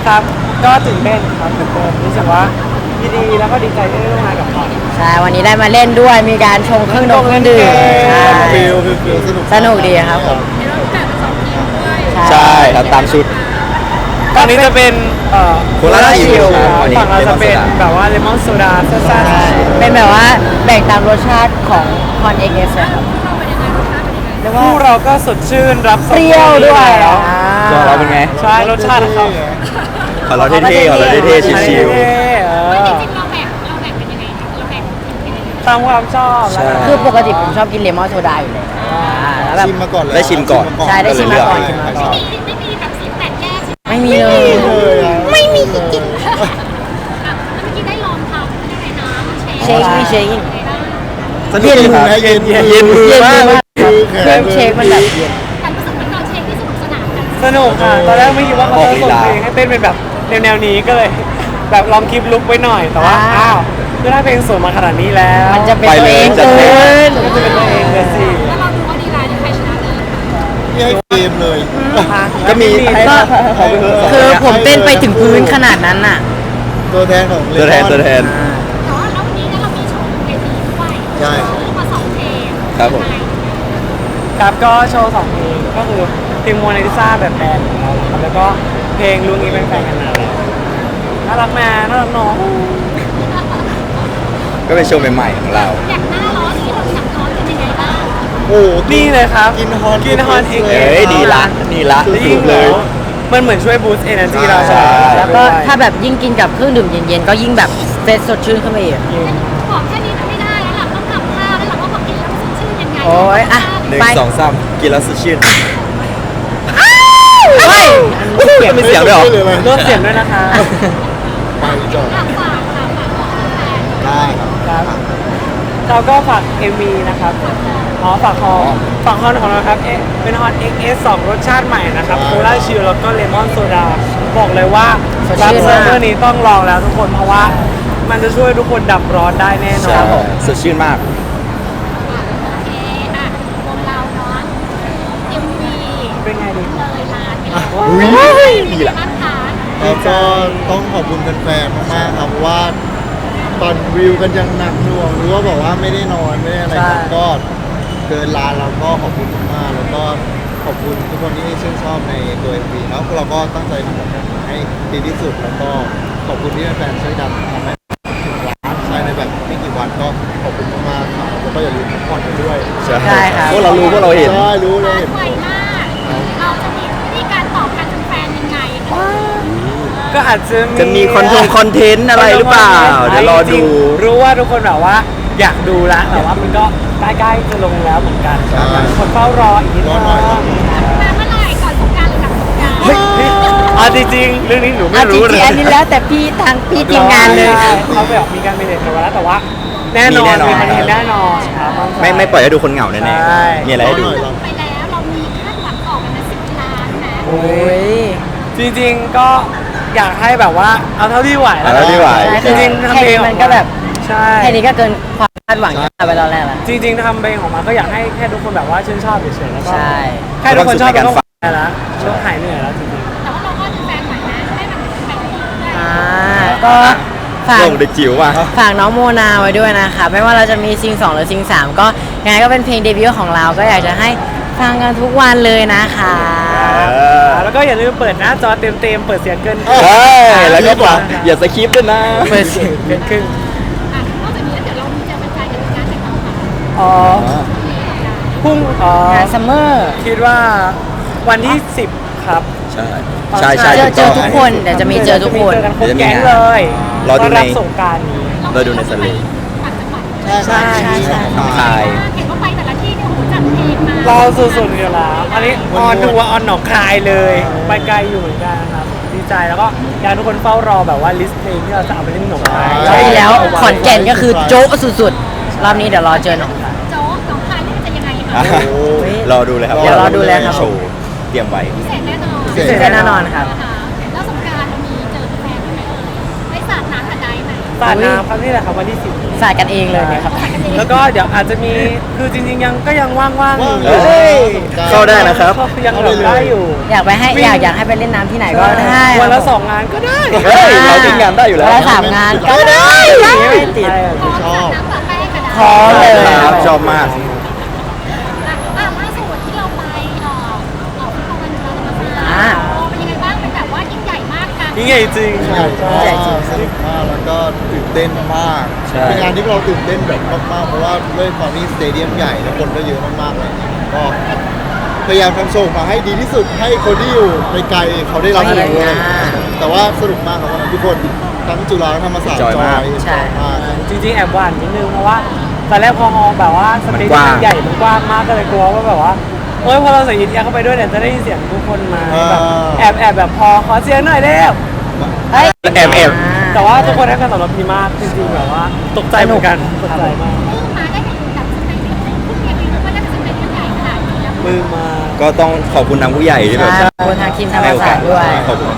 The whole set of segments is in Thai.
ครับก็ตื่นเต้นครับตื่นเต้นรู้สึกว่ายินดีแล้วก็ดีใจที่ได้ร่วมงานกับเขาใช่วันนี้ได้มาเล่นด้วยมีการชงเครื่องดื่มใช่ฟิลสนุกดีครับผมใช่ครับตามชุดตอนนี้จะเป็นโคลาชิลครับวันนี้ฝั่งเราจะเป็นแบบว่าเลมอนโซดาซ่าๆเป็นแบบว่าแบ่งตามรสชาติของคอนเอ็กเอสครับเรียกว่าคู่เราก็สดชื่นรับเปรี้ยวด้วยแล้วตัวเราเป็นไงใช่รสชาติของเขาขอเราเท่ๆขอเราเท่ๆชิวตามความชอบแล้วกันคือปกติผมชอบกินเลมอนโซดาอยู่เลยแล้วแบบชิมมาก่อนเลยได้ชิมก่อนใช่ได้ชิมมาก่อนเลือกชิมมาก่อนไม่มีแบบสีแตกแยกใช่ไหมไม่มีเลยไม่มีจริงๆแล้วเมื่อกี้ได้ลองทำยังไงนะเชคเชคสนุกดีครับเย็นเย็นมือมากเครื่องเชคมันแบบเย็นแต่รู้สึกเหมือนตอนเชคที่สนุกสนานกันสนุกค่ะตอนแรกไม่คิดว่าเขาจะส่งเพลงให้เต้นเป็นแบบแนวนี้ก็เลย แบบลองคลิปลุกไว้หน่อยแต่ว่าอ้าวคือถ้าเพลงสวยมาขนาดนี้แล้วมันจะเป็นไปตัวเลยเองจัดเกิเต็มนก็จะเป็นตัวเองเลยสิแล้วเราดูว่าดีไลน์ใครชนะเลยที่ให้เกมเลยก็มีก็เขาไปเถอะคือผมเต้นไปถึงพื้นขนาดนั้นน่ะตัวแทนของตัวแทนแต่ว่าแล้ววันนี้เนี่ยเรามีโชว์เวทีด้วยใช่โชว์มาสองเพลงครับผมครับก็โชว์2เพลงก็คือเพลงโมนาลิซาแบบแบนด์ของเราครับแล้วก็เพลงลุงนี้เป็นแฟนกันนานแล้วน่ารักแม่น่ารักน้องก็เป็นโชว์ใหม่ๆของเราอยากหน้าร้อนที่เราอยากร้อนเป็นยังไงบ้างโอ้นี่เลยครับกินฮอนกินฮอนเองเอ้ยดีละดีละแล้วยิ่งเลยมันเหมือนช่วยบูสต์เอเนอร์จีเราใช่แล้วก็ถ้าแบบยิ่งกินกับเครื่องดื่มเย็นๆก็ยิ่งแบบเฟรชสดชื่นขึ้นไปอีกบอกแค่นี้มันไม่ได้แล้วหลังต้องทำท่าแล้วหลังว่าบอกกินแล้วมันสดชื่นยังไงโอ้ยอ่ะหนึ่งไปสองสามกินแล้วสดชื่นเฮ้ยมีเสียงด้วยเหรอลดเสียงด้วยนะคะไปจอดฝากบอกแฟนได้ครับครับเราก็ฝาก MV นะครับฝากฮอนของเราครับเป็นฮอน XS 2 รสชาติใหม่นะครับโคลาชิลแล้วก็เลมอนโซดาบอกเลยว่าสดรับชื่นเซอมากร์เวอร์นี้ต้องลองแล้วทุกคนเพราะว่ามันจะช่วยทุกคนดับร้อนได้แน่นอใช่นสดชื่นมากโอเคอ่ะวงเราเนาะ MV เป็นไงดีเลยลานไปดีละบ้างคะแล้วก็ต้องขอบคุณแฟนๆมากๆครับเพราะว่าตอนวิวกันยังหนักหน่วงหรือว่าบอกว่าไม่ได้นอนไม่ได้อะไรครับก็เกินลานเราก็ขอบคุณมากๆแล้วก็ขอบคุณทุกคนที่ชื่นชอบในตัว MV แล้วเราก็ตั้งใจทำออกมาให้ดีที่สุดแล้วก็ขอบคุณที่แฟนๆช่วยดันทำให้ถึงล้านภายในแบบไม่กี่วันก็ขอบคุณมากๆครับแล้วก็อย่าลืมพักผ่อนกันด้วยใช่ครับพวกเรารู้พวกเราเห็นใช่รู้เลยเห็นไวมาก เราจะมีวิธีการตอบการเป็นแฟนยังไงก็อาจจะจะมีคอนเทนต์อะไรหรือเปล่า เดี๋ยวรอจดูงๆรู้ว่าทุกคนแบบว่าอยากดูแล้วแต่ว่ามันก็ใกล้ๆจะลงแล้วเหมือนกันใช่คนเฝ้ารออีกนิดนึงรอหน่อยมาเมื่อไหร่ก่อนสงกรานต์หรือหลังสงกรานต์เฮ้ยจริงๆเรื่องนี้หนูไม่อ่ะจรู้เลริยงๆอันนี้แล้วแต่พี่ทางพี่ทีมงานเลยใช่เขาแบบมีการเมเนจกันไว้แล้วแต่ว่า แน่นอนมีแน่นอนมีคอนเทนต์แน่นอนครับไม่ปล่อยให้ดูคนเหงาแน่ใช่ๆมีอะไรให้ดูลงไปแล้วเรามีคาดหวังต่อกันนะ10 ล้านนะโอ้ยจริงๆก็อยากให้แบบว่าเอาเท่าที่ไหวเอาเท่าที่ไหวจริงๆทำแค่เพลงนี้ออมันมาก็แบบใช่แค่นี้ก็เกินความคาดหวังที่เราไปตอนแรกแล้วจริงๆทำเพลงออกมาก็อยากให้แค่ทุกคนแบบว่าชื่นชอบเฉยๆแล้วก็ใช่แค่ทุกคนชอบมีความสุขในการฟัก็ต้องงไปแล้วช่วงหายเหนื่อยแล้วจริงแต่ว่าเราก็เป็นแฟนใหม่นะให้มันเป็นแฟนที่ดีด้วยก็ฝากลงเด็กจิ๋วว่ะฝากน้องโมนาไว้ด้วยนะคะไม่ว่าเราจะมีซิง2หรือซิง3ก็ยังไงก็เป็นเพลงเดบิวต์ของเราก็อยากจะให้ฟังกันทุกวันเลยนะคะแล้วก็อย่าลืมเปิดหน้าจอเต็มๆเปิดเสียงเกินใช่แล้วก็บอกอย่าสคริปต์ด้วยนะเปิดเสียงเกินครึ่งอ่ะนอกจากนี้แล้วเดี๋ยวเรามีเจอแฟนๆกันในงานแต่งงานค่ะอ๋อพรุ่งงานซัมเมอร์คิดว่าวันที่ 10 ครับใช่ใช่ใช่เจอทุกคนเดี๋ยวจะมีเจอทุกคนเจอกันครบแก๊งเลยรอดูต้อนในรับสงกรารนี้เราดูในสลิปต่างจังหวัดใช่ใช่น้องคายเห็นว่าไปแต่ละที่เนี่ยโหจัดเพลงมาเราสุดๆอยู่แล้วอันนี้ออนทัวร์ออนหนองคายเลย ไปไกลอยู่เหมือนกันนะครับ ดีใจแล้วก็อยากให้ทุกคนเฝ้ารอแบบว่าลิสต์เพลงที่เราจะเอาไปเล่นหนองคายรอบที่แล้วขอนแก่นก็คือโจ๊ะสุดๆ รอบนี้เดี๋ยวรอเจอหน่องโจ๊กน้องคายนี่จะยังไงอ่ะคะรอดูเลยครับเดี๋ยวรอดูเลยครับโชว์เตรียมไว้พิเศษแน่นอนพิเศษแน่นอนครับแล้วสงกรานต์เรามีเจอแฟนด้วยไหมเอ่ยได้สาดน้ำกับไดไหมสาดน้ำครับนี่แหละครับวันที่10 สาดกันเองเลยเนี่ยครับแล้วก็เดี๋ยวอาจจะมีคือจริงๆก็ยังว่างๆอยู่เฮ้ยเข้าได้นะครับยังเหลือได้อยู่อยากไปให้อยากให้ไปเล่นน้ำที่ไหนก็ได้วันละครับผม 2 งานก็ได้เฮ้ยเราทิ้งงานได้อยู่แล้ววันละ3 งานก็ได้ไม่ติดชอบน้ำปลาแป้งกันนะพร้อมเลยครับชอบมากล่าสุดที่เราไปออกตะวันเราธรรมศาอ่าสตร์เป็นยังไงบ้างเป็นแบบว่ายิ่งใหญ่มากกันยิ่งใหญ่จริงใหญ่มากสนุกมากแล้วก็ตื่นเต้นมากใช่เป็นงานที่เราตื่นเต้นแบบมากๆเพราะว่าด้วยความที่สเตเดียมใหญ่แล้วคนก็เยอะมากๆเลยก็พยายามทำโชว์มาให้ดีที่สุดให้คนที่อยู่ไกลๆเขาได้รับรู้ด้วยแต่ว่าสนุกมากครับวันนั้นทุกคนทั้งจุฬาทั้งธรรมศาสตร์จอยมากใช่มากจริงๆแอบหวั่นนิดนึงเพราะว่าตอนแรกพอมองแบบว่าสเปซมันกว้างมันใหญ่มันกว้างมากก็เลยกลัวว่าแบบว่าโอ๊ยพอเราใส่ยินยาเข้าไปด้วยเนี่ยจะได้ยินเสียงทุกคนมาแบบแอบแบบพอขอเสียงหน่อยเร็วเฮ้ยแอบแต่ว่าทุกคนให้การตอบรับดีมากจริงๆแบบว่าตกใจเหมือนกันตกใจมากเพิ่งมาได้ไปอยู่กับสเปนที่เพิ่งเรียนรู้ว่าน่าจะสเปนที่ใหญ่ขนาดนี้นะมือมาก็ต้องขอบคุณทางผู้ใหญ่ที่แบบใช่ขอบคุณทางทีมธรรมศาสตร์ด้วยขอบคุณ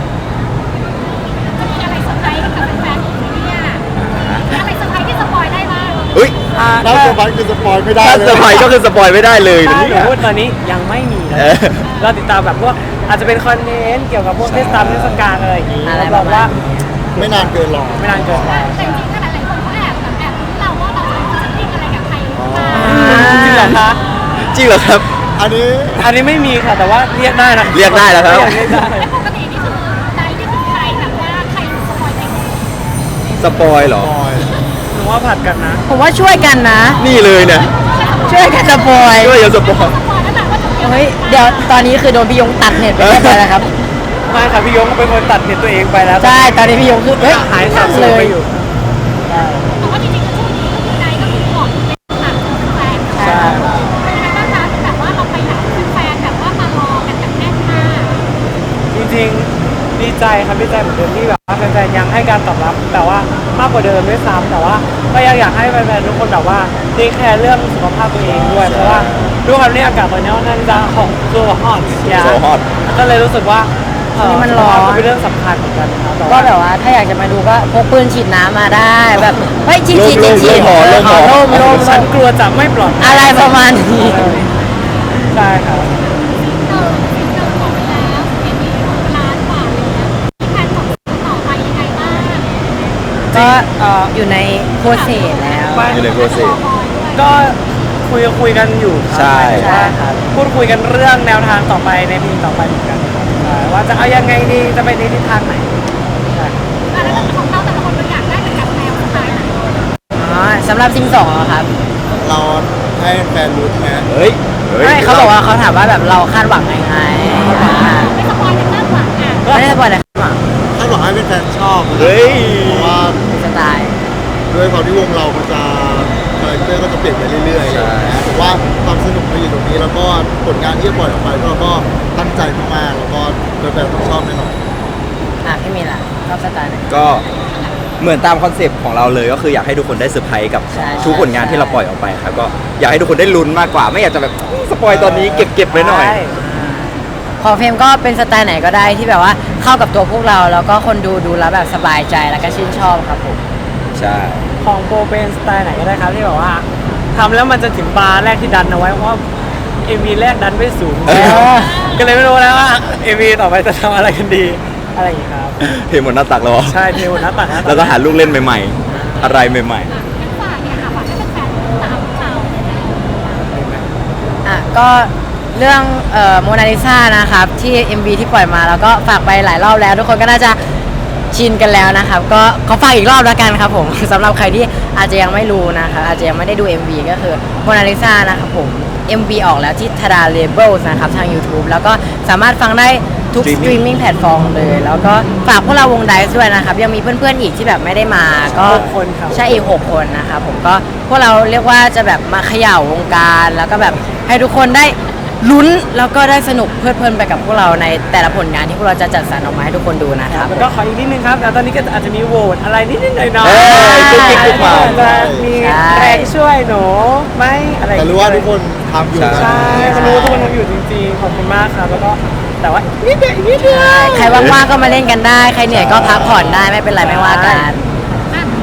จะมีอะไรเซอร์ไพรส์ให้กับแฟนๆอีกไหมเนี่ยมีอะไรเซอร์ไพรส์ที่สปอยได้บ้างเฮ้ยถ้าเซอร์ไพรส์คือสปอยไม่ได้ถ้าเลยเซอร์ไพรส์ก็คือสปอยไม่ได้เลยถ้านะหนูเนี่ยพูดตอนนี้ยังไม่มีนะเออเราติดตามแบบพวกอาจจะเป็นคอนเทนต์เกี่ยวกับพวกเทศกาลเทศกาลอะไรอย่างงี้อะไรรับรองว่าไม่นานเกินหรอกไม่นานเกินไปแต่จริงๆถ้าหลายๆคนเขาแอบลุ้นเราว่าเราจะฟิชชิ่งอะไรกับใครหรือเปล่าจริงเหรอคะจริงเหรอครับอันนี้อันนี้ไม่มีค่ะแต่ว่าเรียกได้นะเรียกได้แล้วครับเรียกได้แล้วปกตินี่คือใจที่คือใครแบบว่าใครสปอยใครสปอยเหรอปอยหนูว่าผัดกันนะผมว่าช่วยกันนะนี่เลยเนี่ยช่วยกันสปอยช่วยอย่าสปอยสปอยแล้วแบบว่าจะมีอะไรเฮ้ยเดี๋ยวตอนนี้คือโดนพี่ยงตัดเน็ตไปเรียบร้อยแล้วครับไม่ค่ะพี่ยงเป็นคนตัดเน็ตตัวเองไปแล้วใช่ตอนนี้พี่ยงคือเฮ้ยหายสับสเลนไปยอยู่แต่ว่าจริงๆก็ช่วงนี้ก็คือใจก็คือหมดเป็นหลักแฟนใช่เป็นยังไงบ้างคะแบบว่าเราไปไหนแฟนแบบว่ามารอกันแบบแน่นมากจริงๆดีใจครับดีใจเหมือนเดิมที่แบบว่าแฟนๆยังให้การตอบรับแต่ว่ามากกว่าเดิมด้วยซ้ำแต่ว่าก็ยังอยากให้แฟนๆทุกคนแบบว่าเทคแคร์เรื่องสุขภาพตัวเองด้วยเพราะว่าด้วยความที่อากาศตอนนี้ค่อนข้างจะของตัวฮอตโซฮอตก็เลยรู้สึกว่านี่มันร้อนสุขภาพก็เป็นเรื่องสำคัญเหมือนกันครับแต่ก็ว่าแบบว่าถ้าอยากจะมาดูก็พกปืนฉีดน้ำมาได้แบบเฮ้ยฉีดฉีดฉีดฉีดลมหอลมฉันกลัวจะไม่ปลอดภัยอะไรประมาณนี้ใช่ครับเราบอกไปแล้วเอ็มวีล้านกว่าแล้วมีแผนต่อไปยังไงบ้างก็อยู่ในโปรเซสแล้วอยู่ในโปรเซสก็คุยกันอยู่ครับใช่ใช่ครับพูดคุยกันเรื่องแนวทางต่อไปในปีต่อไปเหมือนกันครับใช่ว่าจะเอายังไงดีจะไปในทิศทางไหนใช่แล้วของเราแต่ละคนเราอยากได้เป็นแบบแนวสไตล์ไหนอ๋อสำหรับซิง2อะครับเราให้แฟนรู้ไหมเฮ้ยไม่เขาบอกว่าเขาถามว่าแบบเราคาดหวังยังไงอ่าไม่สปอยกันมากกว่าอ่ะไม่ได้สปอยล์นะคาดหวังถ้าบอกให้เป็นแฟนชอบเฮ้ยเพราะว่าสไตล์ด้วยความที่วงเรามันจะคาแรคเตอร์ก็จะเปลี่ยนไปเรื่อยๆใช่แต่ว่าความสนุกมันอยู่ตรงนี้แล้วก็ผลงานที่จะปล่อยออกไปเราก็ตั้งใจมากๆแล้วก็แฟนๆต้องชอบแน่นอนอ่ะพี่มีล่ะชอบสไตล์ไหนก็เหมือนตามคอนเซปต์ของเราเลยก็คืออยากให้ทุกคนได้เซอร์ไพรส์กับใช่ทุกผลงานที่เราปล่อยออกไปครับก็อยากให้ทุกคนได้ลุ้นมากกว่า ไม่อยากจะแบบสปอยตอนนี้เก็บไว้หน่อยใช่ของเฟรมก็เป็นสไตล์ไหนก็ได้ที่แบบว่าเข้ากับตัวพวกเราแล้วก็คนดูแล้วแบบสบายใจแล้วก็ชื่นชอบครับผมใช่ของโปรเป็นสไตล์ไหนก็ได้ครับที่แบบว่าทำแล้วมันจะถึงบาร์แรกที่ดันเอาไว้เพราะว่าเอ็มวีแรกดันไม่สูง ก็เลยไม่รู้แล้วว่าเอ็มวีต่อไปจะทำอะไรกันดีอะไรอย่างนี้ครับเทหมดหน้าตักแล้วเหรอใช่เทวหน้าตักแล้วก็หาลูกเล่นใหม่ๆ อะไรใหม่งั้นฝากเนี่ยค่ะฝากให้แฟนๆตามข่าวเลยนะอ่ะก็เรื่องโมนาลิซานะครับที่ MV ที่ปล่อยมาแล้วก็ฝากไปหลายรอบแล้ว ทุกคนก็น่าจะชินกันแล้วนะครับก็ขอฝากอีกรอบแล้วกันครับผม สำหรับใครที่อาจจะยังไม่รู้นะครับอาจจะยังไม่ได้ดู MV ก็คือโมนาลิซานะครับผม MV ออกแล้วที่ทาดาเลเบลนะครับทาง YouTube แล้วก็สามารถฟังได้ทุกสตรีมมิ่งแพลตฟอร์มเลย แล้วก็ฝากพวกเราวงไดซ์ด้วยนะครับยังมีเพื่อนๆอีกที่แบบไม่ได้มาก็ 6 คนครับใช่อีก 6 คนนะครับผมก็พวกเราเรียกว่าจะแบบมาเขย่าวงการแล้วก็แบบให้ทุกคนได้ลุ้นแล้วก็ได้สนุกเพลิดเพลินไปกับพวกเราในแต่ละผลงานที่พวกเราจะจัดสรรออกมาให้ทุกคนดูนะครับแล้วก็ขออีกนิดนึงครับแล้วตอนนี้ก็อาจจะมีโหวตอะไรนิดๆหน่อยๆเอ้ยกุ๊กกิ๊กกุ๊กหม่ำจะมีแรงช่วยหนูไหมอะไรอย่แต่งรู้เงี้ยว่าทุกคนทำอยู่ใช่ก็รู้ว่าทุกคนทำอยู่จริงๆขอบคุณมากครับแล้วก็แต่ว่านิดเดียวอีกนิดเดียวใครว่างๆก็มาเล่นกันได้ ใครเหนื่อยก็พักผ่อนได้ไม่เป็นไรไม่ว่ากันอ่ะ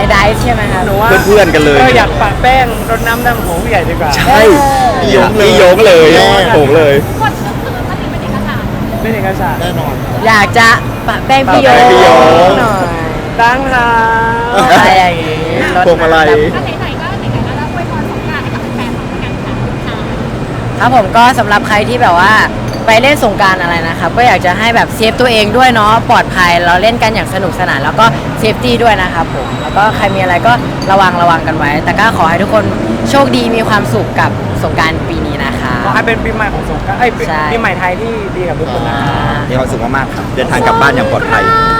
ไดซ์ใช่ไหมครับหนูว่าเพื่อนๆกันเลยก็อยากปะแป้งรดน้ำดำหัวผู้ใหญ่ดีกว่าใช่พี่โยงเลยโงเลยกดก็คือมันเป็นเอกสารเป็นเอกสารแน่นอนครับอยากจะปะแป้งพี่โยปะแป้งพี่โยหน่อยตั้งหาอะไรอย่างงี้รถพวงมาลัยก็ไหนๆก็ไหนๆแล้วเราอวยพรสงกรานต์ให้กับแฟนๆของกันค่ะครับผมก็สำหรับใครที่แบบว่าไปเล่นสงกรารอะไรนะครับ ก็อยากจะให้แบบเซฟตัวเองด้วยเนาะปลอดภัยเราเล่นกันอย่างสนุกสนานแล้วก็เซฟตี้ด้วยนะครับผมแล้วก็ใครมีอะไรก็ระวังกันไว้ แต่ก็ขอให้ทุกคนโชคดีมีความสุขกับสงกรารปีนี้นะคะขอให้เป็นปีใหม่ของสงกรานต์ใช่ปีใหม่ไทยที่ดีกับทุกคนนะครับมีความสุขมากๆครับ เดินทางกลับบ้านอย่างปลอดภัย